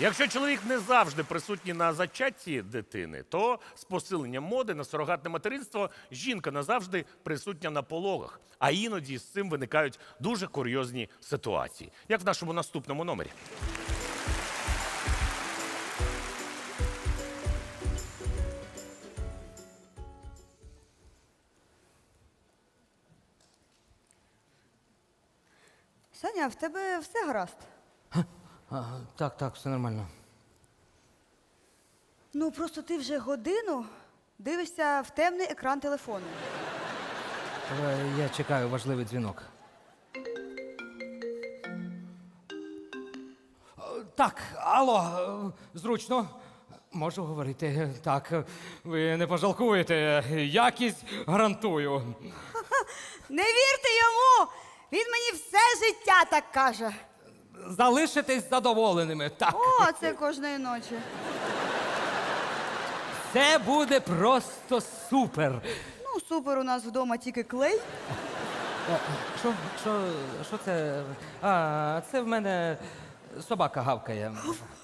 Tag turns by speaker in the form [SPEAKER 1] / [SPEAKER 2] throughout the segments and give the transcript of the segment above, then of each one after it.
[SPEAKER 1] Якщо чоловік не завжди присутній на зачатті дитини, то з посиленням моди на сурогатне материнство жінка назавжди присутня на пологах. А іноді з цим виникають дуже курйозні ситуації, як в нашому наступному номері.
[SPEAKER 2] Саня, в тебе все гаразд?
[SPEAKER 3] Так, все нормально.
[SPEAKER 2] Ну, просто ти вже годину дивишся в темний екран телефону.
[SPEAKER 3] Я чекаю важливий дзвінок. Так, алло, зручно. Можу говорити. Так, ви не пожалкуєте. Якість гарантую.
[SPEAKER 2] Не вірте йому! Він мені все життя так каже.
[SPEAKER 3] Залишитесь задоволеними. Так.
[SPEAKER 2] О, це кожної ночі.
[SPEAKER 3] Це буде просто супер.
[SPEAKER 2] Ну, супер, у нас вдома тільки клей.
[SPEAKER 3] Що це? Це в мене собака гавкає.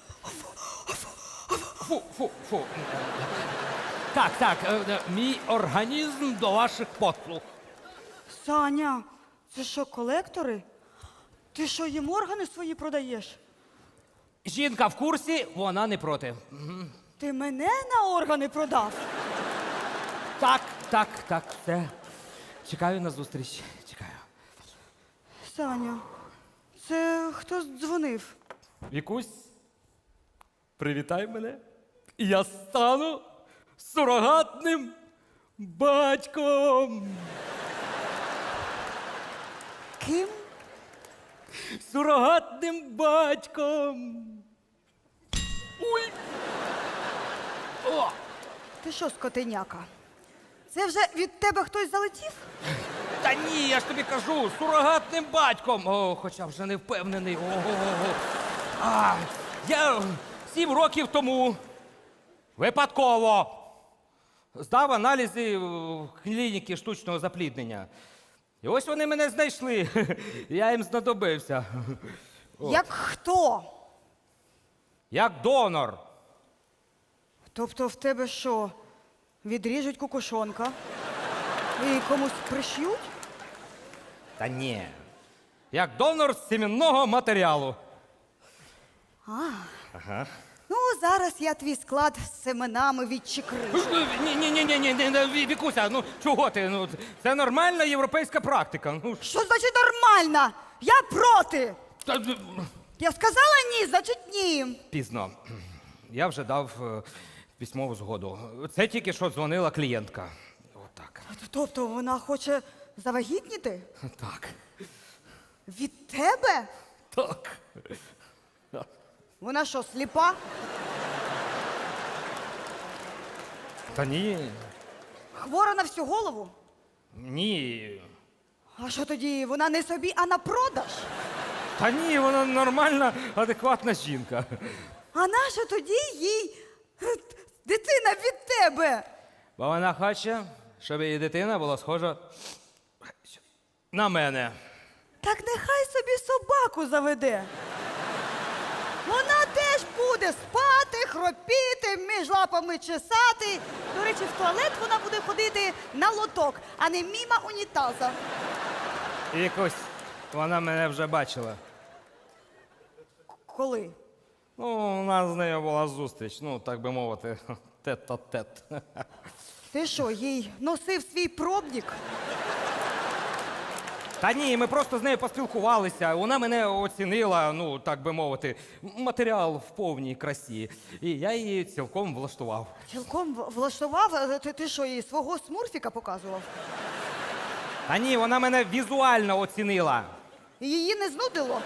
[SPEAKER 3] Фу. Так, мій організм до ваших послуг.
[SPEAKER 2] Саня, це що, колектори? Ти що, їм органи свої продаєш?
[SPEAKER 3] Жінка в курсі, вона не проти.
[SPEAKER 2] Ти мене на органи продав?
[SPEAKER 3] Так, все. Чекаю на зустріч. Чекаю.
[SPEAKER 2] Саня, це хто дзвонив?
[SPEAKER 3] Вікусь, привітай мене. Я стану сурогатним батьком.
[SPEAKER 2] Ким?
[SPEAKER 3] Сурогатним батьком. Ой! О!
[SPEAKER 2] Ти що, скотиняка? Це вже від тебе хтось залетів?
[SPEAKER 3] Та ні, я ж тобі кажу, сурогатним батьком. Хоча вже не впевнений. Я 7 років тому випадково здав аналізи в клініки штучного запліднення. І ось вони мене знайшли. Я їм знадобився.
[SPEAKER 2] Як хто?
[SPEAKER 3] Як донор.
[SPEAKER 2] Тобто в тебе що, відріжуть кукушонка і комусь приш'ють?
[SPEAKER 3] Та ні. Як донор з сімінного матеріалу.
[SPEAKER 2] Ну, зараз я твій склад з семенами відчекрижу.
[SPEAKER 3] Ні, Вікуся, ну чого ти? Ну, це нормальна європейська практика. Ну,
[SPEAKER 2] Що значить нормально? Я проти! Я сказала ні, значить ні.
[SPEAKER 3] Пізно. Я вже дав письмову згоду. Це тільки що дзвонила клієнтка. Отак.
[SPEAKER 2] Тобто вона хоче завагітніти?
[SPEAKER 3] Так.
[SPEAKER 2] Від тебе?
[SPEAKER 3] Так.
[SPEAKER 2] Вона що, сліпа?
[SPEAKER 3] Та ні.
[SPEAKER 2] Хвора на всю голову?
[SPEAKER 3] Ні.
[SPEAKER 2] А що тоді, вона не собі, а на продаж?
[SPEAKER 3] Та ні, вона нормальна, адекватна жінка.
[SPEAKER 2] А наша тоді їй дитина від тебе?
[SPEAKER 3] Бо вона хоче, щоб її дитина була схожа на мене.
[SPEAKER 2] Так нехай собі собаку заведе. Вона теж буде спати, хропіти, між лапами чесати. До речі, в туалет вона буде ходити на лоток, а не мімо унітаза.
[SPEAKER 3] І якось вона мене вже бачила.
[SPEAKER 2] Коли?
[SPEAKER 3] Ну, у нас з нею була зустріч, ну, так би мовити, тет-а-тет.
[SPEAKER 2] Ти що, їй носив свій пробник?
[SPEAKER 3] Та ні, ми просто з нею поспілкувалися. Вона мене оцінила, ну, так би мовити, матеріал в повній красі. І я її цілком влаштував.
[SPEAKER 2] Цілком влаштував? Ти що, їй свого смурфіка показував?
[SPEAKER 3] Та ні, вона мене візуально оцінила.
[SPEAKER 2] І її не знудило?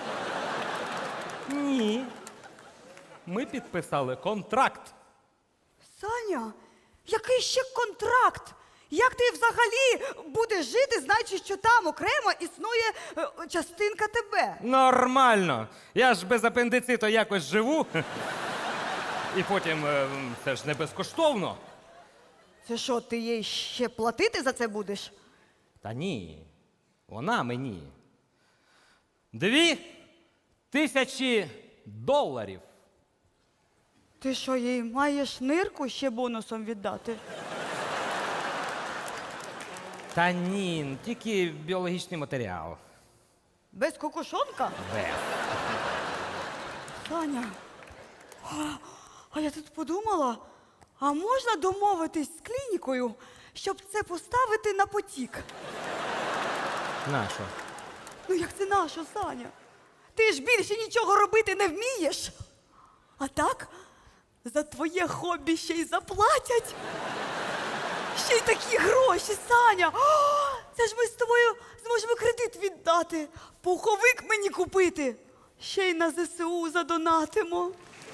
[SPEAKER 3] Ні. Ми підписали контракт.
[SPEAKER 2] Саня, який ще контракт? Як ти взагалі будеш жити, знаючи, що там окремо існує частинка тебе?
[SPEAKER 3] Нормально. Я ж без апендициту якось живу. І потім це ж не безкоштовно.
[SPEAKER 2] Це що, ти їй ще платити за це будеш?
[SPEAKER 3] Та ні. Вона мені. $2000.
[SPEAKER 2] Ти що, їй маєш нирку ще бонусом віддати?
[SPEAKER 3] Та ні, тільки біологічний матеріал.
[SPEAKER 2] Без кокошонка?
[SPEAKER 3] Без.
[SPEAKER 2] Таня, а я тут подумала, а можна домовитись з клінікою, щоб це поставити на потік?
[SPEAKER 3] Нащо?
[SPEAKER 2] Ну як це наша, Саня? Ти ж більше нічого робити не вмієш. А так, за твоє хобі ще й заплатять. Ще й такі гроші, Саня. О, це ж ми з тобою зможемо кредит віддати, пуховик мені купити. Ще й на ЗСУ задонатимо.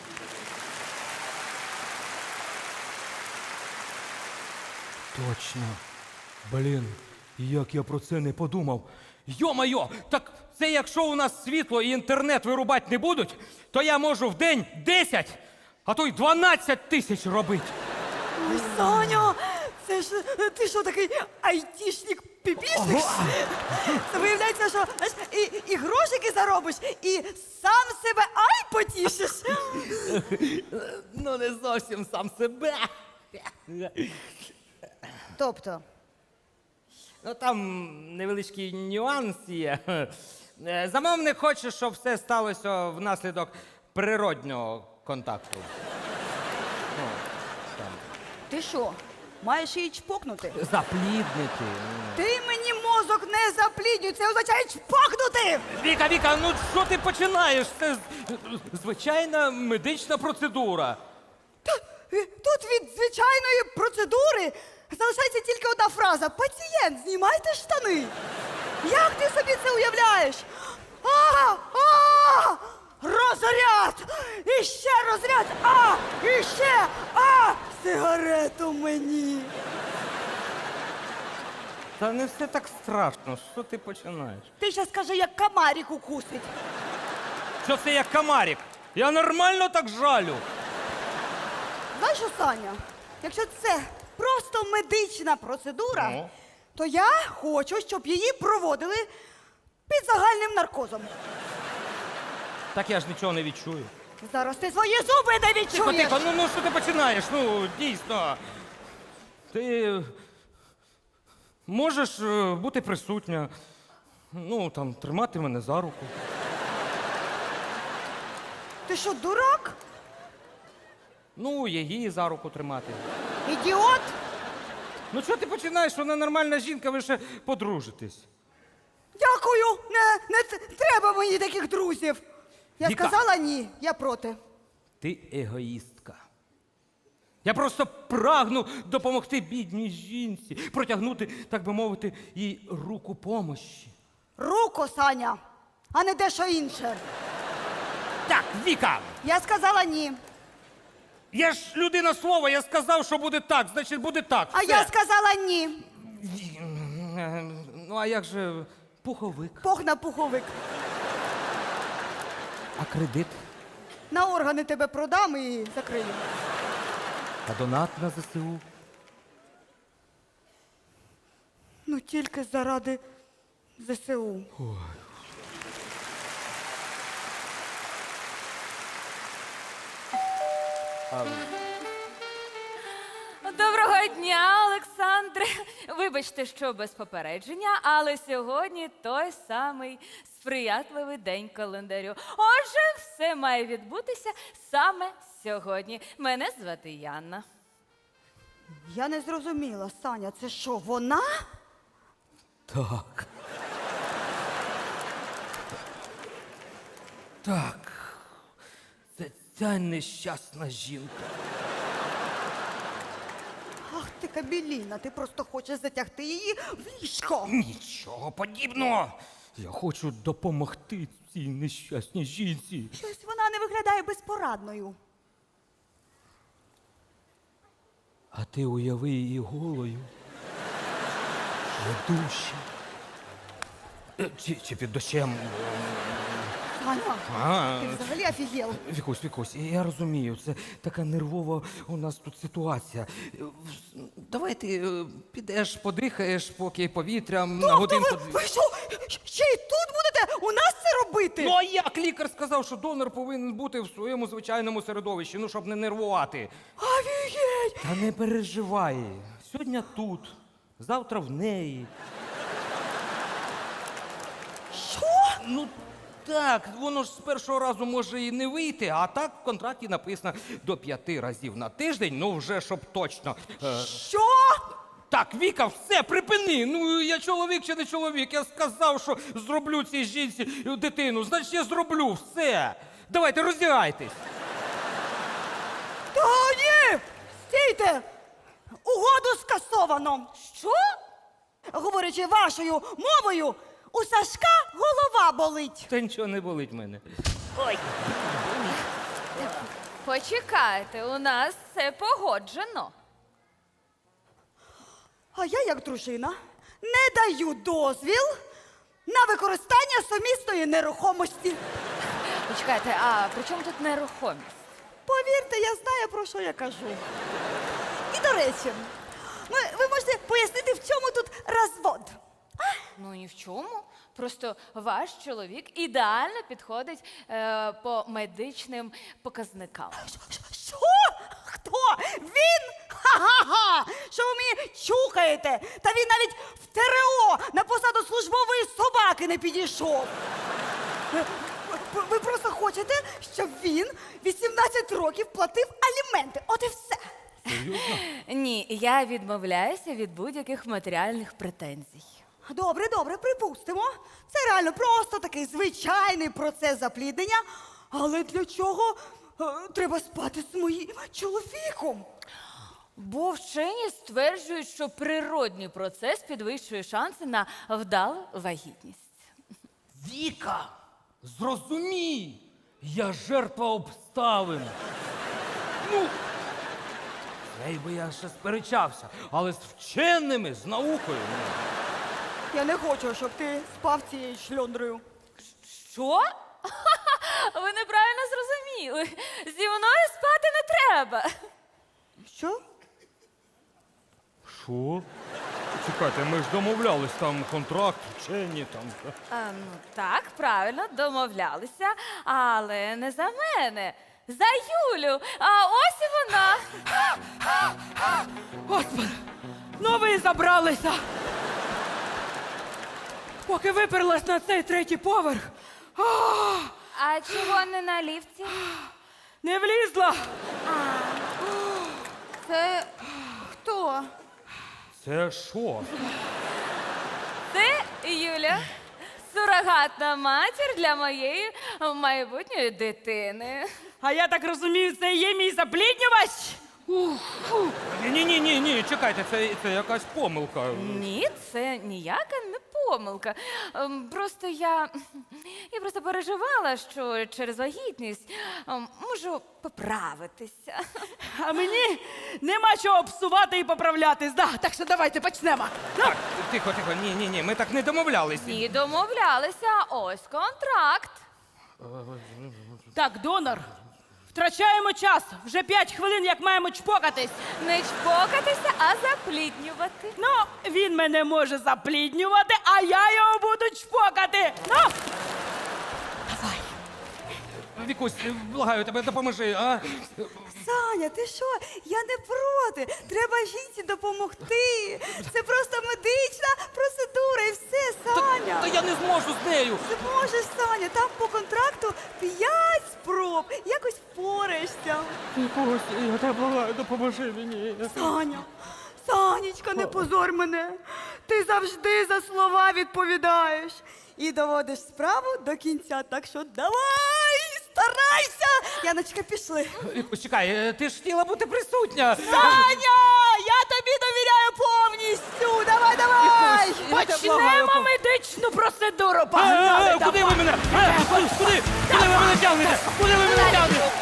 [SPEAKER 3] Точно. Блін, як я про це не подумав. Йо-майо, так це якщо у нас світло і інтернет вирубати не будуть, то я можу в день 10, а то й 12 тисяч робити.
[SPEAKER 2] Ой, Саня, це ж ти що такий айтішник-піпішник? Це виявляється, що знаєш, і грошики заробиш, і сам себе потішиш.
[SPEAKER 3] Ну, не зовсім сам себе.
[SPEAKER 2] Тобто,
[SPEAKER 3] Ну, там невеличкий нюанс є. Замовник хоче, щоб все сталося внаслідок природнього контакту. Ну, там.
[SPEAKER 2] ти що, маєш її чпокнути?
[SPEAKER 3] Запліднити.
[SPEAKER 2] Ти мені мозок не запліднюй, це означає чпокнути!
[SPEAKER 3] Віка, ну що ти починаєш? Це звичайна медична процедура.
[SPEAKER 2] Тут від звичайної процедури залишається тільки одна фраза. Пацієнт, знімайте штани. Як ти собі це уявляєш? Розряд! І ще розряд! І ще! Сигарету мені!
[SPEAKER 3] Та не все так страшно. Що ти починаєш?
[SPEAKER 2] Ти ще скажи, як комарик укусить.
[SPEAKER 3] Що це як комарик? Я нормально так жалю.
[SPEAKER 2] Знаєш що, Саня, якщо це просто медична процедура,
[SPEAKER 3] Ну?
[SPEAKER 2] то я хочу, щоб її проводили під загальним наркозом.
[SPEAKER 3] Так я ж нічого не відчую.
[SPEAKER 2] Зараз ти свої зуби не
[SPEAKER 3] Тихо,
[SPEAKER 2] відчуєш.
[SPEAKER 3] ну що ти починаєш? Ну, дійсно. Ти можеш бути присутня. Ну, там, тримати мене за руку.
[SPEAKER 2] Ти що, дурак?
[SPEAKER 3] Ну, її за руку тримати.
[SPEAKER 2] Ідіот?
[SPEAKER 3] Ну, що ти починаєш? Вона нормальна жінка, ви ще подружитесь.
[SPEAKER 2] Дякую. Не треба мені таких друзів. Я
[SPEAKER 3] Віка.
[SPEAKER 2] сказала ні, я проти.
[SPEAKER 3] Ти егоїстка. Я просто прагну допомогти бідній жінці, протягнути, так би мовити, їй руку помощі.
[SPEAKER 2] Руку, Саня, а не дещо інше.
[SPEAKER 3] Так, Віка,
[SPEAKER 2] Я сказала ні.
[SPEAKER 3] я ж людина слова, я сказав, що буде так, значить буде так.
[SPEAKER 2] А
[SPEAKER 3] все.
[SPEAKER 2] я сказала ні.
[SPEAKER 3] Ну, а як же пуховик?
[SPEAKER 2] Пох на пуховик.
[SPEAKER 3] А кредит?
[SPEAKER 2] На органи тебе продам і закрию.
[SPEAKER 3] А донат на ЗСУ?
[SPEAKER 2] Ну тільки заради ЗСУ.
[SPEAKER 4] Доброго дня, Олександре. Вибачте, що без попередження, але сьогодні той самий сприятливий день календарю. Отже, все має відбутися саме сьогодні. Мене звати Яна.
[SPEAKER 2] Я не зрозуміла, Саня, це що, вона?
[SPEAKER 3] Так. Так. Це ця нещасна жінка.
[SPEAKER 2] Ах ти кабеліна, ти просто хочеш затягти її в ліжко.
[SPEAKER 3] Нічого подібного. Я хочу допомогти цій нещасній жінці.
[SPEAKER 2] Щось вона не виглядає безпорадною.
[SPEAKER 3] А ти уяви її голою. В душі. Чи під дощем.
[SPEAKER 2] Саня, ти взагалі офігел.
[SPEAKER 3] Вікусь, я розумію, це така нервова у нас тут ситуація. Давай ти підеш, подихаєш, поки повітрям на годинку.
[SPEAKER 2] Ви що, ще й тут будете у нас це робити?
[SPEAKER 3] Ну а як лікар сказав, що донор повинен бути в своєму звичайному середовищі, ну щоб не нервувати.
[SPEAKER 2] Офігеть!
[SPEAKER 3] Та не переживай. Сьогодні тут, завтра в неї.
[SPEAKER 2] Що?
[SPEAKER 3] Ну так, воно ж з першого разу може і не вийти, а так в контракті написано до 5 разів на тиждень, ну вже щоб точно.
[SPEAKER 2] Що?
[SPEAKER 3] Так, Віка, все, припини. Ну я чоловік чи не чоловік. Я сказав, що зроблю цій жінці дитину. Значить, я зроблю все. Давайте, роздягайтесь.
[SPEAKER 2] Та ні! Стійте! Угоду скасовано!
[SPEAKER 4] Що?
[SPEAKER 2] Говорячи вашою мовою, у Сашка голова болить.
[SPEAKER 3] Та нічого не болить мене.
[SPEAKER 4] Почекайте, у нас все погоджено.
[SPEAKER 2] А я, як дружина, не даю дозвіл на використання сумісної нерухомості.
[SPEAKER 4] Почекайте, а при чому тут нерухомість?
[SPEAKER 2] Повірте, я знаю, про що я кажу. І до речі, ви можете пояснити, в чому тут розвод?
[SPEAKER 4] Ну ні в чому. Просто ваш чоловік ідеально підходить по медичним показникам.
[SPEAKER 2] Що? Хто? Він? Ха-ха-ха! Що ви мені чухаєте? Та він навіть в ТРО на посаду службової собаки не підійшов. Ви просто хочете, щоб він 18 років платив аліменти. От і все.
[SPEAKER 4] Ні, я відмовляюся від будь-яких матеріальних претензій.
[SPEAKER 2] Добре, припустимо. Це реально просто такий звичайний процес запліднення. Але для чого треба спати з моїм чоловіком?
[SPEAKER 4] Бо вчені стверджують, що природній процес підвищує шанси на вдалу вагітність.
[SPEAKER 3] Віка, зрозумій, я жертва обставин. Ну, з нею би я ще сперечався, але з вченими, з наукою.
[SPEAKER 2] Я не хочу, щоб ти спав цією шльондрою.
[SPEAKER 4] Що? Ви неправильно зрозуміли. Зі мною спати не треба.
[SPEAKER 2] Що?
[SPEAKER 3] Що? Чекайте, ми ж домовлялись, там контракт, вчені, там.
[SPEAKER 4] Ну так, правильно, домовлялися, але не за мене. За Юлю. А ось і вона.
[SPEAKER 5] Господи, ну ви забралися. Поки виперлась на цей третій поверх,
[SPEAKER 4] А чого не на ліфті?
[SPEAKER 5] не влізла.
[SPEAKER 2] Це хто?
[SPEAKER 3] Це що?
[SPEAKER 4] Це Юля, сурогатна матір для моєї майбутньої дитини.
[SPEAKER 5] А я так розумію, це і є мій запліднювач?
[SPEAKER 3] Ні, чекайте, це якась помилка.
[SPEAKER 4] Ні, це ніяка не помилка. Просто я просто переживала, що через вагітність можу поправитися.
[SPEAKER 5] А мені нема чого псувати і поправлятись. Да, так що давайте почнемо.
[SPEAKER 3] Так, тихо, ні, ми так не домовлялись.
[SPEAKER 4] Ні, домовлялися. Ось контракт.
[SPEAKER 5] Так, донор, втрачаємо час. Вже 5 хвилин, як маємо чпокатись.
[SPEAKER 4] Не чпокатися, а запліднювати.
[SPEAKER 5] Ну, він мене може запліднювати, а я його буду чпокати. Ну!
[SPEAKER 3] Вікусь, благаю тебе, допоможи, а?
[SPEAKER 2] Саня, ти що? Я не проти. Треба жінці допомогти. Це просто медична процедура і все, Саня.
[SPEAKER 3] Та я не зможу з нею.
[SPEAKER 2] Ти можеш, Саня, там по контракту 5 спроб. Якось впораєшся.
[SPEAKER 3] Вікусь, я тебе благаю, допоможи мені.
[SPEAKER 2] Санечка, не позор мене. Ти завжди за слова відповідаєш. І доводиш справу до кінця. Так що давай, старайся. Яночка, пішли.
[SPEAKER 3] Вікусь, чекай, ти ж хотіла бути присутня.
[SPEAKER 2] Саня, я тобі довіряю повністю. Давай.
[SPEAKER 5] Почнемо медичну процедуру. Погнали,
[SPEAKER 3] Куди ви мене? Куди ви мене тягнете? Куди ви мене тягнете?